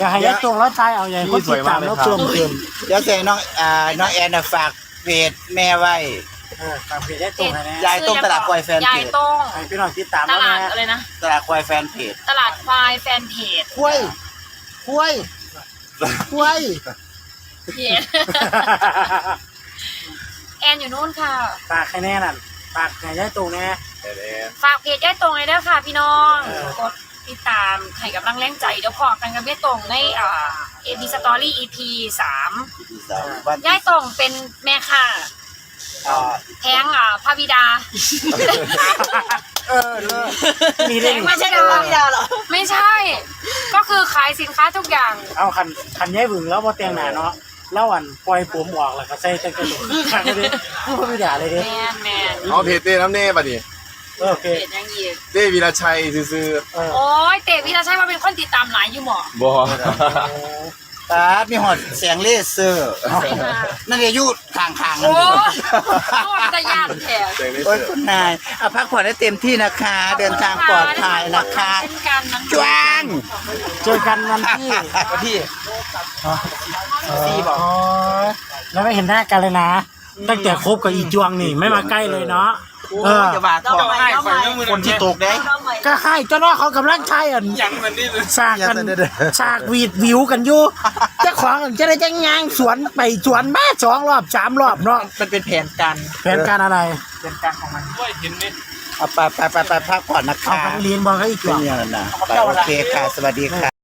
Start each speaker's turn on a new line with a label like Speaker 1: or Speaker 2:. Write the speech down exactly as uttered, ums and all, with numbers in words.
Speaker 1: อย่าให้ยัดตรงแล้วตายเอาใหญ่คนติดตามแล้วเพิ่มเติม
Speaker 2: เดี๋ยวเสียงน้องอ่าน้องแอนฝากเพจแม่ไว้
Speaker 1: เออฝากเพจยัดตรงให้นะ
Speaker 2: ยายต้มตลาดควายแฟนเพจ
Speaker 3: ยายต้ม
Speaker 1: ให้พี่น้องติดตาม
Speaker 3: ต
Speaker 1: แล้ว
Speaker 3: ลาด
Speaker 1: นะ
Speaker 3: อะไรนะ
Speaker 2: ตลาดควายแฟนเพจ
Speaker 3: ตลาดควายแฟนเพจ
Speaker 1: คุ้ยคุ้ยคุ้ย
Speaker 3: เพจแอนอยู่นู่นค่ะ
Speaker 1: ฝากให้แน่นั่นฝากให้ยัดตรงแน่
Speaker 3: ฝากเพจยายตรงเลยด้วยค่ะพี่น้องกดติดตามให้กำลังแรงใจเดี๋ยวพอกันกับยายตรงในอ่าเอพีสตอรี่ อี พี สาม
Speaker 2: วัน
Speaker 3: ยายตรงเป็นแม่ค่ะ
Speaker 2: อ่า
Speaker 3: แพงอ่าพระบิดา
Speaker 1: เออเลยมีเรื่อง
Speaker 3: ไม่ใช่พระบิดาหรอไม่ใช่ ก็คือขายสินค้าทุกอย่าง
Speaker 1: เอาคันคันย้ายบึงแล้วพอเตียงหนาเนาะแล้วอันปล่อยผมออกแล้วก็ใส่แต่กระดูกข้างเลยพูดไม่ด่าเลยเด้
Speaker 3: แมนแมน
Speaker 4: เอาเพจเต้น้ำเน่ป่ะดิ
Speaker 1: โอเค
Speaker 3: เพจยังยีก
Speaker 4: เต้วีรชัยซื้อ
Speaker 1: เออ
Speaker 3: โอ้ยเต๋วิราชัยว่าเป็นคนติดตามหลายอยู่หมอ
Speaker 4: ๆบอ
Speaker 2: ตาดมีหอดเสียงเลเซอร์นั่นเดี๋ยวยุดข้างๆนั่
Speaker 3: โอ้
Speaker 2: น
Speaker 3: ยโคตรจะยานแถว
Speaker 4: เจ๋งเลย
Speaker 2: โอ้ยคุณนายเอาพักผ่อนให้เต็มที่นะคะ เดินทางปลอดภัยนะคะ
Speaker 3: เป็นการนั้น
Speaker 2: จวง
Speaker 1: เจอกันวันที่
Speaker 2: วันที่
Speaker 1: สี่บอกแล้วไม่เห็นหน้ากันเลยนะ ตั้งแต่คบกับอีจวงนี่ไม่มาใกล้เลยเนาะเออ
Speaker 2: จะบาดทองคนที่ตกได้
Speaker 1: ก็ให้เจ้าน้องเขากำลังใช้อันสากกันสากวีดวิวกันอยู่เจ้าของจะได้จะงางสวนไปสวนมาสองรอบสามรอบเนาะ
Speaker 2: มันเป็นแผนการ
Speaker 1: แผนการอะไร
Speaker 2: เป็นการของมันเอาไปไปไปไปพักผ่อนนะ
Speaker 1: เอา
Speaker 2: คะ
Speaker 1: ไปเรียนบอกให้อีจ
Speaker 2: เป็
Speaker 1: วน ง
Speaker 2: อย่างนั้นนะไปโอเคค่ะ สวัสดีค่ะ